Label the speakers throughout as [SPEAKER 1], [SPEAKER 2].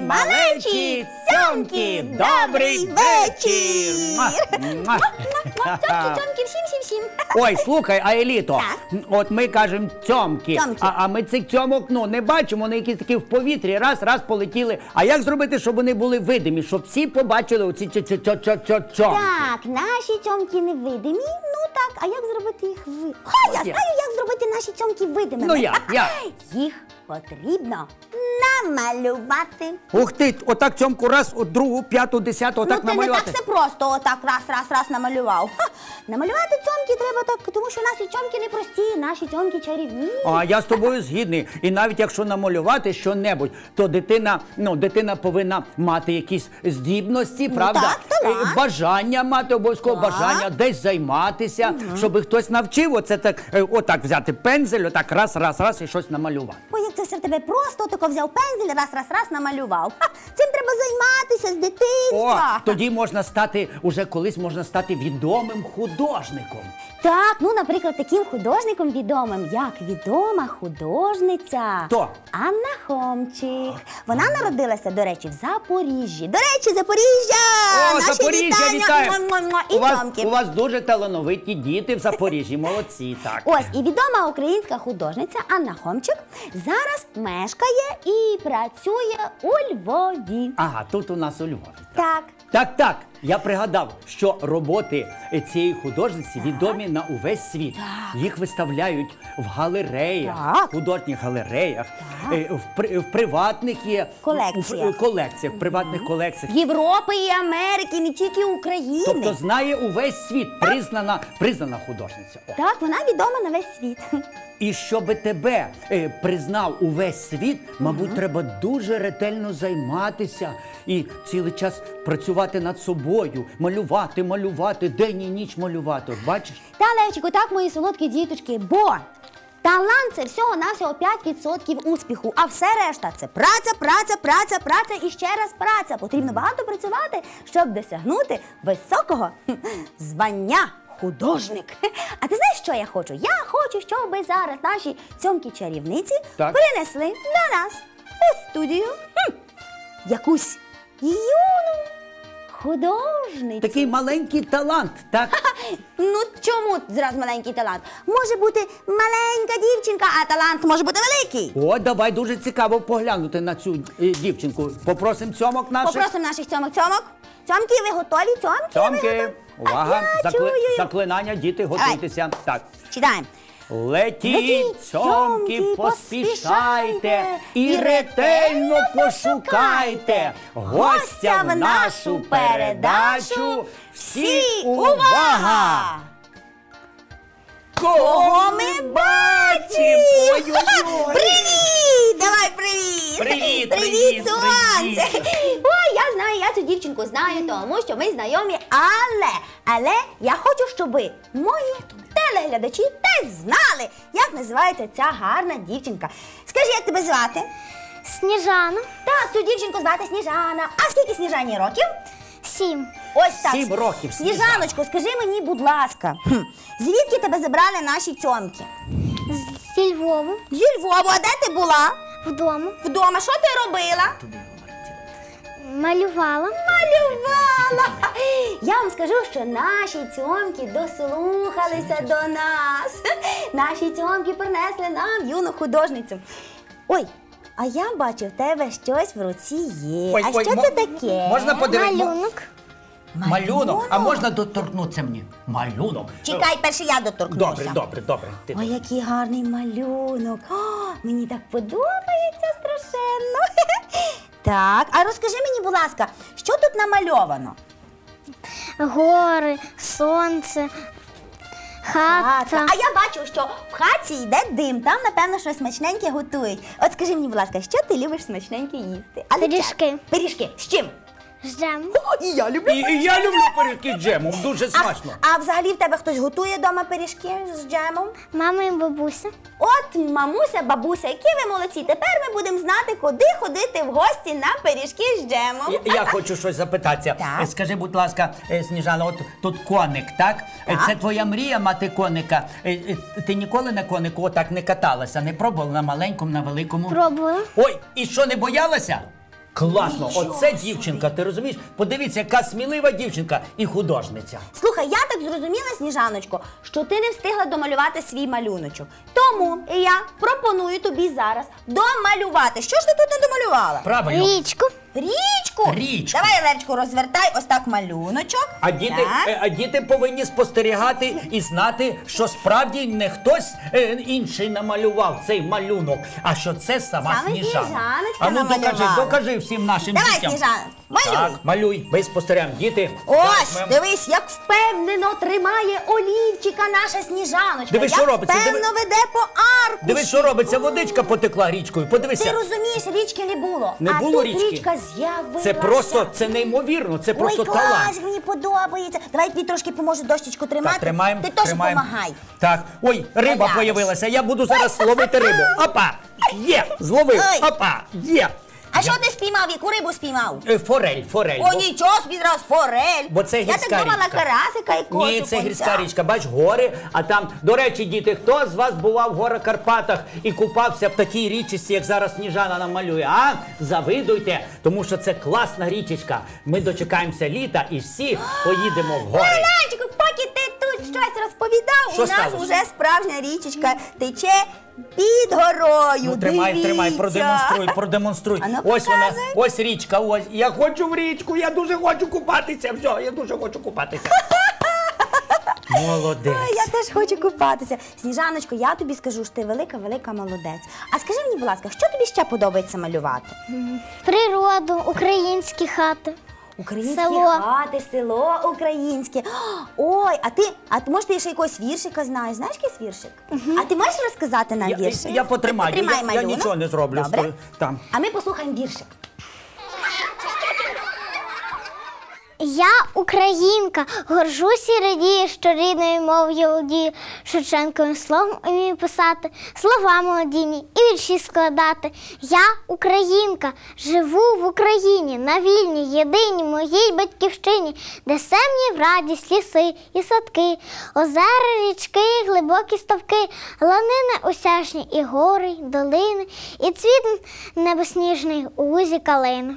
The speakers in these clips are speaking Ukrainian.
[SPEAKER 1] малечі, цьомки, добрий вечір!
[SPEAKER 2] Цьомки, всім-всім-всім.
[SPEAKER 1] Ой, слухай, а Еліто, от ми кажемо цьомки, а ми цих цьомок, не бачимо, вони якісь такі в повітрі, раз полетіли. А як зробити, щоб вони були видимі, щоб всі побачили оці цьомки?
[SPEAKER 2] Так, наші цьомки невидимі, так, а як зробити їх видимими? Я знаю, як зробити наші цьомки видимими.
[SPEAKER 1] Ну як?
[SPEAKER 2] Їх потрібно намалювати.
[SPEAKER 1] Ух ти, отак цьомку раз, от другу, п'яту, десяту, отак намалювати.
[SPEAKER 2] Ну, це не так все просто, отак раз намалював. Намалювати цьомки треба так, тому що наші цьомки не прості, наші цьомки чарівні.
[SPEAKER 1] А я з тобою згідний. І навіть якщо намалювати що-небудь, то дитина повинна мати якісь здібності, правда?
[SPEAKER 2] Так, талант.
[SPEAKER 1] Бажання мати, обов'язково бажання, десь займатися, щоб хтось навчив, оце так, отак взяти пензель, отак раз і щось намалювати.
[SPEAKER 2] Ой, як це все в тебе просто, тако взяв пензель, раз намалював. Цим треба займатися з дитинства.
[SPEAKER 1] Тоді можна стати, уже колись можна стати відомим художником.
[SPEAKER 2] Так, наприклад, таким художником відомим, як відома художниця
[SPEAKER 1] Хто?
[SPEAKER 2] Анна Хомчик. Вона народилася, до речі, в Запоріжжі. До речі, Запоріжжя!
[SPEAKER 1] О, Запоріжжя, вітаю!
[SPEAKER 2] І цьомки.
[SPEAKER 1] У вас дуже талановиті діти в Запоріжжі, молодці, так.
[SPEAKER 2] Ось, і відома українська художниця Анна Хомчик зараз мешкає і працює у Львові.
[SPEAKER 1] Ага, тут у нас у Львові.
[SPEAKER 2] Так.
[SPEAKER 1] Так, я пригадав, що роботи цієї художниці відомі на увесь світ. Їх виставляють в галереях, художніх галереях, в приватних колекціях, в приватних колекціях.
[SPEAKER 2] Європи і Америки, не тільки України.
[SPEAKER 1] Тобто знає увесь світ, признана художниця.
[SPEAKER 2] Так, вона відома на весь світ.
[SPEAKER 1] І щоб тебе признав увесь світ, мабуть, треба дуже ретельно займатися і цілий час працювати над собою, малювати, день і ніч малювати. От бачиш?
[SPEAKER 2] Та, Левчику, так, мої солодкі діточки, бо талант – це всього-навсього 5% успіху, а все решта – це праця і ще раз праця. Потрібно багато працювати, щоб досягнути високого звання художник. А ти знаєш, що я хочу? Я хочу, щоб зараз наші цьомки-чарівниці принесли до нас у студію якусь юну художницю.
[SPEAKER 1] Такий маленький талант, так?
[SPEAKER 2] Чому зразу маленький талант? Може бути маленька дівчинка, а талант може бути великий.
[SPEAKER 1] О, давай, дуже цікаво поглянути на цю дівчинку. Попросимо цьомок наших.
[SPEAKER 2] Попросимо наших цьомок. Цьомки, ви готові?
[SPEAKER 1] Цьомки, увага, заклинання, діти, готуйтеся. Так.
[SPEAKER 2] Читаємо.
[SPEAKER 1] Летіть, цьомки, поспішайте і ретельно пошукайте гостя в нашу передачу. Всі увага! Кого ми бачимо? Ой-ой-ой!
[SPEAKER 2] Привіт! Давай привіт!
[SPEAKER 1] Привіт,
[SPEAKER 2] сонце! Ой, я знаю, я цю дівчинку знаю, тому що ми знайомі, але я хочу, щоб мої телеглядачі теж знали, як називається ця гарна дівчинка. Скажи, як тебе звати?
[SPEAKER 3] Сніжана.
[SPEAKER 2] Так, цю дівчинку звати Сніжана. А скільки Сніжані років?
[SPEAKER 3] 7.
[SPEAKER 2] Ось так.
[SPEAKER 1] 7 років,
[SPEAKER 2] Сніжаночко, скажи мені, будь ласка, звідки тебе забрали наші цьомки?
[SPEAKER 3] Зі Львова.
[SPEAKER 2] Зі Львова. А де ти була?
[SPEAKER 3] Вдома.
[SPEAKER 2] Вдома. Що ти робила?
[SPEAKER 3] Малювала.
[SPEAKER 2] Я вам скажу, що наші цьомки дослухалися до нас. Наші цьомки принесли нам юну художницю. Ой, а я бачу, в тебе щось в руці є.
[SPEAKER 1] Ой,
[SPEAKER 2] що це таке?
[SPEAKER 1] Можна подивитися?
[SPEAKER 3] Малюнок.
[SPEAKER 1] Малюнок? А можна доторкнутися мені? Малюнок.
[SPEAKER 2] Чекай, перше я доторкнуся.
[SPEAKER 1] Добре.
[SPEAKER 2] Ой, який гарний малюнок. О, мені так подобається страшенно. Так, а розкажи мені, будь ласка, що тут намальовано?
[SPEAKER 3] Гори, сонце, хата.
[SPEAKER 2] А я бачу, що в хаті йде дим, там, напевно, щось смачненьке готують. От скажи мені, будь ласка, що ти любиш смачненьке їсти?
[SPEAKER 3] Пиріжки.
[SPEAKER 2] Пиріжки. З чим?
[SPEAKER 3] З джемом.
[SPEAKER 2] О, і я люблю.
[SPEAKER 1] І я люблю пиріжки з джемом, дуже смачно.
[SPEAKER 2] А взагалі в тебе хтось готує вдома пиріжки з джемом?
[SPEAKER 3] Мама і бабуся.
[SPEAKER 2] От, мамуся, бабуся, які ви молодці. Тепер ми будемо знати, куди ходити в гості на пиріжки з джемом.
[SPEAKER 1] Я хочу щось запитатися.
[SPEAKER 2] Так.
[SPEAKER 1] Скажи, будь ласка, Сніжана, от тут коник, так? Це твоя мрія мати коника. Ти ніколи на конику отак не каталася, не пробувала на маленькому, на великому?
[SPEAKER 3] Пробувала.
[SPEAKER 1] Ой, і що, не боялася? Класно, оце дівчинка, ти розумієш? Подивіться, яка смілива дівчинка і художниця.
[SPEAKER 2] Слухай, я так зрозуміла, Сніжаночко, що ти не встигла домалювати свій малюночок. Тому я пропоную тобі зараз домалювати. Що ж ти тут не домалювала?
[SPEAKER 1] Правильно.
[SPEAKER 3] Річку.
[SPEAKER 2] Річку?
[SPEAKER 1] Річку.
[SPEAKER 2] Давай, Левчику, розвертай ось так малюночок.
[SPEAKER 1] А діти повинні спостерігати і знати, що справді не хтось інший намалював цей малюнок, а що це сама
[SPEAKER 2] Саме
[SPEAKER 1] Сніжана.
[SPEAKER 2] Сніжаночка
[SPEAKER 1] А ну
[SPEAKER 2] намалювала.
[SPEAKER 1] докажи всім нашим
[SPEAKER 2] Давай,
[SPEAKER 1] дітям.
[SPEAKER 2] Сніжана, малюй.
[SPEAKER 1] Так, малюй, ми спостерігаємо. Діти,
[SPEAKER 2] Ось,
[SPEAKER 1] зараз ми-
[SPEAKER 2] дивись, як впевнено тримає олівчика наша Сніжаночка.
[SPEAKER 1] Дивись, що
[SPEAKER 2] як
[SPEAKER 1] робиться,
[SPEAKER 2] впевнено веде по аркуші.
[SPEAKER 1] Дивись, що робиться, водичка потекла річкою,
[SPEAKER 2] Ти
[SPEAKER 1] подивися.
[SPEAKER 2] розумієш, річки не було.
[SPEAKER 1] Не
[SPEAKER 2] а
[SPEAKER 1] було
[SPEAKER 2] тут
[SPEAKER 1] річки.
[SPEAKER 2] річка з'явилася.
[SPEAKER 1] Це просто, це неймовірно, це просто
[SPEAKER 2] Ой, клас,
[SPEAKER 1] талант.
[SPEAKER 2] мені подобається. Давай я тобі трошки поможу дощечку тримати.
[SPEAKER 1] Так, тримаємо,
[SPEAKER 2] Ти теж
[SPEAKER 1] тримаємо.
[SPEAKER 2] допомагай.
[SPEAKER 1] Так, ой, риба
[SPEAKER 2] Глянеш.
[SPEAKER 1] появилася, я буду зараз ловити рибу. Опа, є, зловив,
[SPEAKER 2] Ой.
[SPEAKER 1] опа, є.
[SPEAKER 2] А що ти спіймав? Яку рибу спіймав?
[SPEAKER 1] Форель.
[SPEAKER 2] О, нічого собі зразу, форель.
[SPEAKER 1] Бо це
[SPEAKER 2] Я
[SPEAKER 1] гірська
[SPEAKER 2] так думала,
[SPEAKER 1] річка.
[SPEAKER 2] карасика якогось.
[SPEAKER 1] Ні, це
[SPEAKER 2] окунця.
[SPEAKER 1] гірська річка, бач, гори, а там, до речі, діти, хто з вас бував в горах Карпатах і купався в такій річці, як зараз Сніжана нам малює, а? Завидуйте, тому що це класна річечка. Ми дочекаємося літа і всі поїдемо в гори.
[SPEAKER 2] Левчику, поки ти тут щось розповідав,
[SPEAKER 1] Що
[SPEAKER 2] у нас
[SPEAKER 1] сталося?
[SPEAKER 2] уже справжня річечка тече під горою.
[SPEAKER 1] Ну, тримай,
[SPEAKER 2] Дивіться.
[SPEAKER 1] продемонструй.
[SPEAKER 2] А ну,
[SPEAKER 1] Ось вона,
[SPEAKER 2] показуй.
[SPEAKER 1] ось річка, ось. Я хочу в річку, я дуже хочу купатися. Все, я дуже хочу купатися. Молодець.
[SPEAKER 2] Ой, я теж хочу купатися. Сніжаночко, я тобі скажу, що ти велика молодець. А скажи мені, будь ласка, що тобі ще подобається малювати?
[SPEAKER 3] Природу, українські хати.
[SPEAKER 2] Українські
[SPEAKER 3] Село.
[SPEAKER 2] хати, село українське. Ой, а ти може ти ще якогось віршика знаєш? Знаєш якийсь віршик? А ти можеш розказати нам віршик?
[SPEAKER 1] Я потримаю,
[SPEAKER 2] Потримай
[SPEAKER 1] я
[SPEAKER 2] малюнок.
[SPEAKER 1] нічого не зроблю.
[SPEAKER 2] Добре.
[SPEAKER 1] Там.
[SPEAKER 2] А ми послухаємо віршик.
[SPEAKER 3] Я українка, горжусь і радію, що рідною мовою володію, Шевченковим словом умію писати, слова молодійні і вірші складати. Я українка, живу в Україні, на вільній, єдиній моїй батьківщині, де сем'ї в радість ліси і садки, озера, річки, глибокі ставки, ланини осяжні і гори, й долини, і цвіт небосніжний у лузі калини.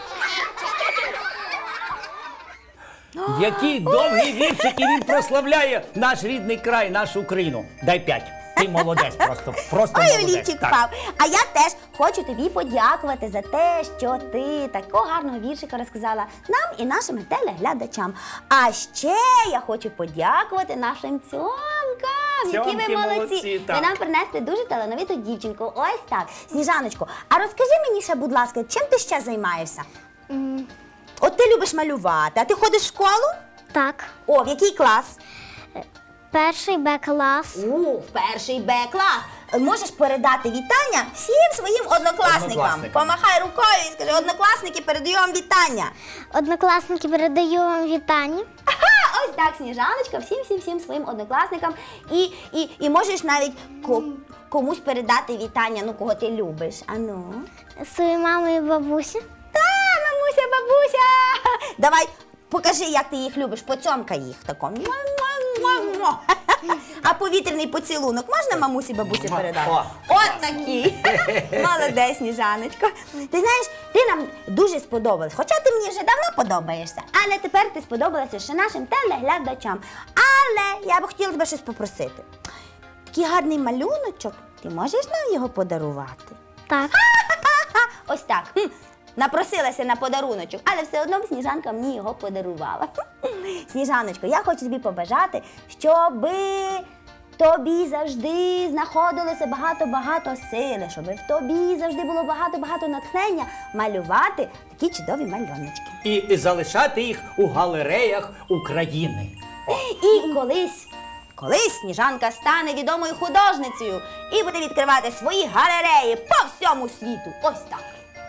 [SPEAKER 1] Який довгий віршик, і він прославляє наш рідний край, нашу Україну. Дай 5. Ти молодець просто. Просто
[SPEAKER 2] Ой,
[SPEAKER 1] молодець.
[SPEAKER 2] олівчик
[SPEAKER 1] Так.
[SPEAKER 2] впав. А я теж хочу тобі подякувати за те, що ти такого гарного віршика розказала нам і нашим телеглядачам. А ще я хочу подякувати нашим цьомкам, які
[SPEAKER 1] Цьомки
[SPEAKER 2] ви молодці.
[SPEAKER 1] молодці, так.
[SPEAKER 2] Ви нам принесли дуже талановиту дівчинку. Ось так. Сніжаночко, а розкажи мені ще, будь ласка, чим ти ще займаєшся? От ти любиш малювати, а ти ходиш в школу?
[SPEAKER 3] Так,
[SPEAKER 2] О, в який клас?
[SPEAKER 3] перший Б-клас.
[SPEAKER 2] В перший Б-клас. Можеш передати вітання всім своїм однокласникам.
[SPEAKER 1] Однокласникам.
[SPEAKER 2] Помахай рукою і скажи, однокласники, передаю вам вітання.
[SPEAKER 3] Однокласники, передаю вам вітання.
[SPEAKER 2] Ага, ось так, Сніжаночка, всім своїм однокласникам. І можеш навіть комусь передати вітання, ну, кого ти любиш. Ану.
[SPEAKER 3] Своїй мамі і бабусі.
[SPEAKER 2] Та, мамуся, бабуся. Давай, покажи, як ти їх любиш, поцьомкай їх тако. Муа-муа-муа-муа. А повітряний поцілунок можна мамусі, бабусі передати?
[SPEAKER 1] О.
[SPEAKER 2] От такий. Молодець, Сніжаночко. Ти знаєш, ти нам дуже сподобалась. Хоча ти мені вже давно подобаєшся, але тепер ти сподобалася ще нашим телеглядачам. Але я б хотіла тебе щось попросити. Такий гарний малюночок, ти можеш нам його подарувати?
[SPEAKER 3] Так.
[SPEAKER 2] Ось так. Напросилася на подаруночок, але все одно Сніжанка мені його подарувала. Сніжаночко, я хочу тобі побажати, щоби тобі завжди знаходилося багато-багато сили, щоби в тобі завжди було багато-багато натхнення малювати такі чудові малюночки.
[SPEAKER 1] І залишати їх у галереях України.
[SPEAKER 2] І колись Сніжанка стане відомою художницею і буде відкривати свої галереї по всьому світу. Ось так.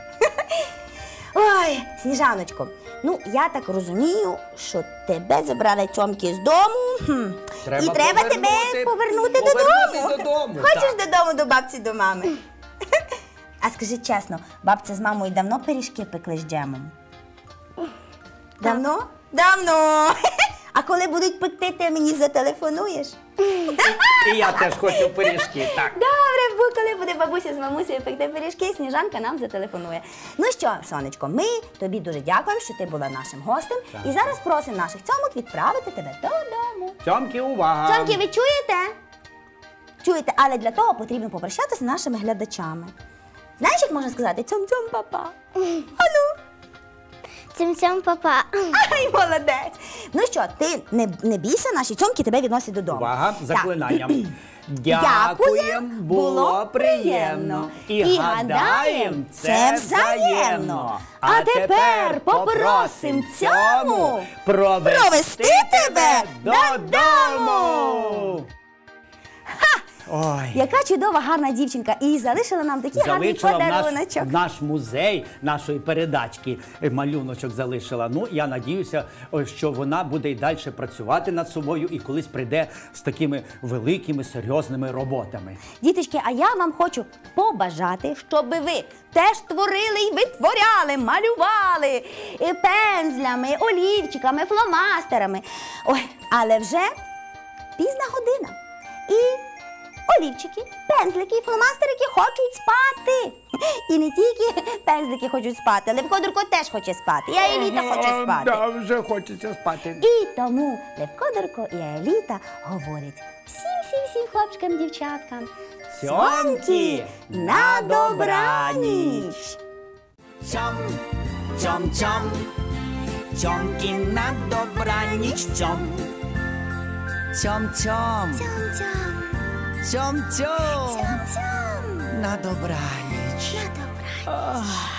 [SPEAKER 2] Ой, Сніжаночко, ну я так розумію, що тебе забрали цьомки з дому. І треба тебе повернути додому. Хочеш
[SPEAKER 1] так.
[SPEAKER 2] додому до бабці, до мами? А скажи чесно, бабця з мамою давно пиріжки пекли з джемом? Давно? Давно. А коли будуть пекти, ти мені зателефонуєш?
[SPEAKER 1] І я теж хочу пиріжки, так.
[SPEAKER 2] Добре, коли буде бабуся з мамусею пекти пиріжки, Сніжанка нам зателефонує. Ну що, сонечко, ми тобі дуже дякуємо, що ти була нашим гостем. І зараз просимо наших цьомок відправити тебе додому.
[SPEAKER 1] Цьомки, увага!
[SPEAKER 2] Цьомки, ви чуєте? Чуєте, але для того потрібно попрощатися з нашими глядачами. Знаєш, як можна сказати цьом-цьом, папа? Ану.
[SPEAKER 3] Цьом-цьом, папа.
[SPEAKER 2] Ай, молодець! Ну що, ти не бійся, наші цьомки тебе відносять додому.
[SPEAKER 1] Увага,
[SPEAKER 2] Так.
[SPEAKER 1] заклинанням.
[SPEAKER 2] Дякуєм,
[SPEAKER 1] було приємно. І гадаєм, це взаємно.
[SPEAKER 2] А тепер попросим цьому
[SPEAKER 1] провести
[SPEAKER 2] тебе
[SPEAKER 1] додому. Ой.
[SPEAKER 2] Яка чудова, гарна дівчинка. І залишила нам такий гарний
[SPEAKER 1] Залишила
[SPEAKER 2] подаруночок.
[SPEAKER 1] в наш музей нашої передачки малюночок залишила. Ну, я надіюся, що вона буде і далі працювати над собою і колись прийде з такими великими, серйозними роботами.
[SPEAKER 2] Діточки, а я вам хочу побажати, щоб ви теж творили і витворяли, малювали і пензлями, олівчиками, фломастерами. Ой, але вже пізна година. І олівчики, пензлики і фломастерики хочуть спати. І не тільки пензлики хочуть спати, Левко Дурко теж хоче спати. І Аеліта хоче спати.
[SPEAKER 1] Да, вже хочеться спати.
[SPEAKER 2] І тому Левко Дурко і Аеліта говорять всім хлопчикам, дівчаткам.
[SPEAKER 1] Цьомки,
[SPEAKER 2] на добраніч!
[SPEAKER 4] Цьом, цьом, цьом, цьомки на добраніч, цьом. Цьом, цьом, цьом, цьом, на добраніч.
[SPEAKER 3] На добраніч.